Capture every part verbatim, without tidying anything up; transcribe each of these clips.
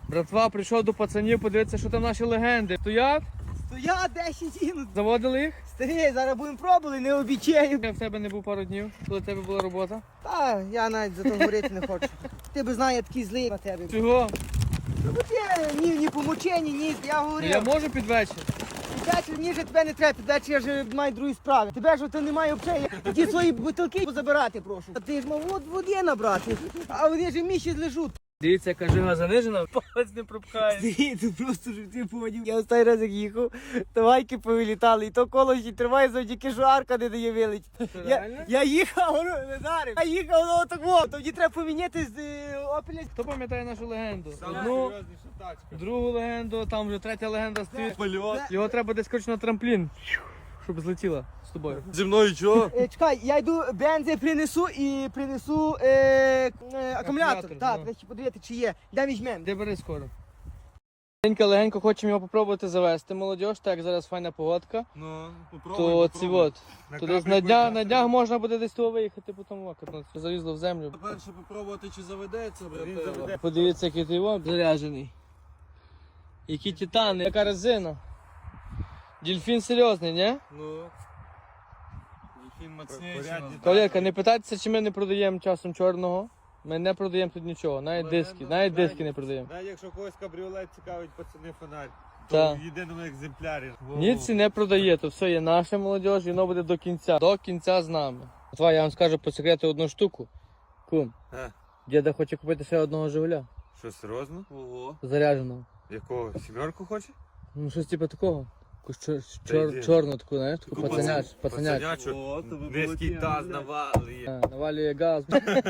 Братва, прийшов до пацанів, подивитися, що там наші легенди. Стоять? Стоять десять їнуть. Заводили їх? Старі, зараз будемо пробувати, не обічаю. Я в тебе не був пару днів, коли в тебе була робота. Та, я навіть за то говорити не хочу. Ти би знає, я такий злий на тебе. Чого? Ну, бо ти ні, ні помучені, ні, я Ну, говорив. я можу під вечір. Підвечір, ні, же тебе не треба, підвечір я вже маю другі справи. Тебе ж то немає взагалі. Ті свої бутилки позабирати, прошу. А ти ж мав от води набрати, а вони ж міші лежуть. Дивіться, яка жига занижена, палець не пропхає. Ти просто ж ти поняв. Я останній раз як їхав, то гайки повилітали, і то коло ще триває завдяки, що арка не дає вилетіти. Я, реально? я їхав, ну, не дарив. Я їхав, ну так во, тоді треба поміняти з е, опеля. Хто пам'ятає нашу легенду? Саме Одну, серйозніша тачка. другу легенду, там вже третя легенда стоїть. Польот. Його треба десь коротше на трамплін, щоб злетіла з тобою. Зі мною чого? Е, чекай, я йду бензи принесу і принесу е, е, акумулятор. Акумулятор, Так, ну. треба ще подивити, чи є. Де візьмемо? Де бери скоро. Легенько, легенько хочемо його попробувати завести, молодіж, так як зараз файна погодка. Ну, попробуй, То ці попробуй. от. На То десь капельку на днях, йде. на днях можна буде десь того виїхати, потім окатно. Залізло в землю. Перше попробувати, чи заведеться, Він брате. заведе. Подивіться, який ти його заряджений. Які титани, яка резина. Дельфін серйозний, ні? Ну. Дельфін мацніший. Колірка, не питайтеся, чи ми не продаємо часом чорного. Ми не продаємо тут нічого, навіть диски, навіть диски не продаємо. Навіть якщо когось кабріолет цікавить, пацани, фонарь. Так. То в єдиному екземплярі. Ніці не продає, то все є наша молодіж, і воно буде до кінця. До кінця з нами. Два, я вам скажу по секрету одну штуку. Кум, А, діда хоче купити ще одного Жигуля. що, серйозно? Ого. Зарядженого. Якого? Сімерку хоче? Ну щось типу такого. Якусь чор, Та чор, йди. чорну таку, знаєш, таку Таку пацаняч, пацан- пацаняч. пацанячу. О, то ви Низький молодці, таз блядь. навалює. А, навалює газ.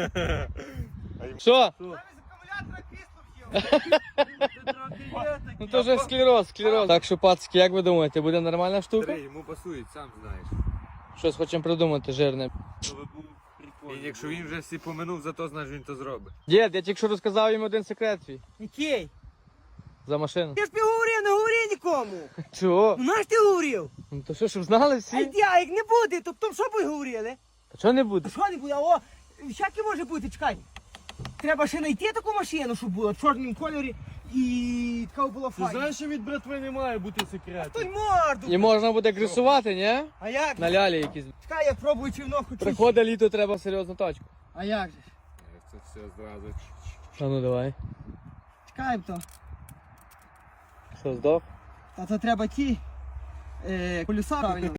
Що? Акумулятора крісло в'їв. Ну то вже склероз, склероз. Так що, пацки, як ви думаєте, буде нормальна штука? Старий, йому пасують, сам знаєш. Щось хочемо придумати жирне. То ви був прикольний. І якщо він вже всі поминув, зато знаєш, він то зробить. Дід, я тільки що розказав їм один секрет твій. Який? За машину. Я ж тобі говорив, не говори нікому. Чого? Ну наш ти говорив? Ну то що, щоб знали А всі? йди, а як не буде, то потім що ви говорили? Та чого не буде? А що не буде? О, всяке може бути, чекай. Треба ще знайти таку машину, щоб була в чорному кольорі і така була Ти файна. знаєш, що від братви не має бути Той секрету? морду. І можна буде грисувати, ні? А як? На лялі якісь. Чекай, я пробую чи воно хочу. Приходить літо, треба серйозну тачку. А як же? Це все зразу. А ну давай. Чекай то. Що, здох? Та то треба ті е, колеса правильно.